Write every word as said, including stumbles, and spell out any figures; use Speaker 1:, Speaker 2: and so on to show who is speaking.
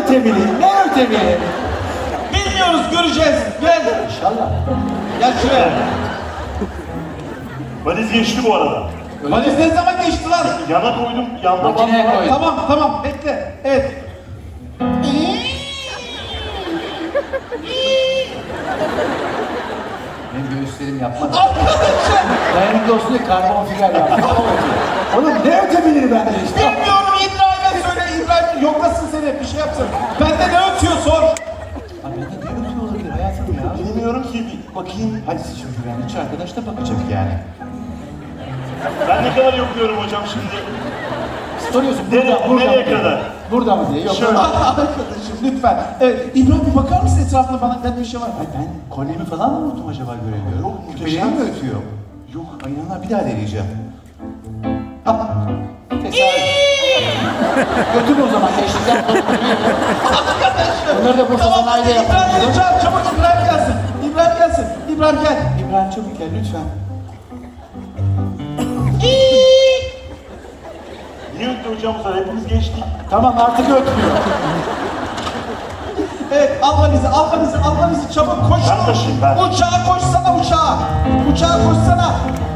Speaker 1: ötemeli? Ne ötemeli?
Speaker 2: Bilmiyoruz, göreceğiz. Gel.
Speaker 1: İnşallah.
Speaker 2: Gel şuraya.
Speaker 3: Valiz geçti bu arada.
Speaker 2: Valiz ne zaman geçti lan?
Speaker 3: Yana koydum, yanda
Speaker 1: Makineye
Speaker 3: var.
Speaker 1: koy.
Speaker 2: Tamam, tamam. Bekle. Evet.
Speaker 1: Benim göğüslerim yapmadı.
Speaker 2: Arkadaşım.
Speaker 1: Dayanıklı olsun diye karbon fiber yaptım. Oğlum ne ötebilir bende işte?
Speaker 2: Bilmiyorum, İbrahim'e söyle. İbrahim yoklasın seni, bir şey yapsın. Bende ne ötüyor sor.
Speaker 1: Abi bende ne ötüyor olabilir hayatım ya?
Speaker 3: Bilmiyorum ki, bir bakayım.
Speaker 1: Hadi siz şimdi güvenlikçi arkadaş da bakacak yani.
Speaker 3: Ben ne kadar yokluyorum hocam şimdi.
Speaker 1: Soruyorsun
Speaker 3: Nereye-
Speaker 1: burada, burada
Speaker 3: nereye
Speaker 1: mı diye.
Speaker 3: kadar?
Speaker 1: Burada mı diye. Yok.
Speaker 3: Şöyle.
Speaker 2: Arkadaşım lütfen. Evet, İbrahim bir bakar mısın etrafına, bana bende bir şey var mı?
Speaker 1: Ay ben kolyemi falan mı unuttum acaba göremiyorum?
Speaker 3: Yok,
Speaker 1: Küpelerim mi
Speaker 3: muhteşem.
Speaker 1: ötüyor? Yok. Ay inanlar bir daha deneyeceğim. Ah. Tesadüf. Götür o zaman eşlikten korkutuyor. Bunları da Bursa
Speaker 2: Tamam,
Speaker 1: Sanayi'de
Speaker 2: İbrahim
Speaker 1: yapalım.
Speaker 2: gel, çabuk, çabuk İbrahim gelsin. İbrahim gelsin. İbrahim gel.
Speaker 1: İbrahim çabuk gel lütfen.
Speaker 3: Niye öttü hocam bu sefer? Hepimiz geçtik.
Speaker 1: Tamam artık ötmüyor.
Speaker 2: Evet, al valizi, al valizi, al valizi, çabuk koş.
Speaker 3: Ben taşıyayım, ben.
Speaker 2: Uçağa koşsana, uçağa. Uçağa koşsana.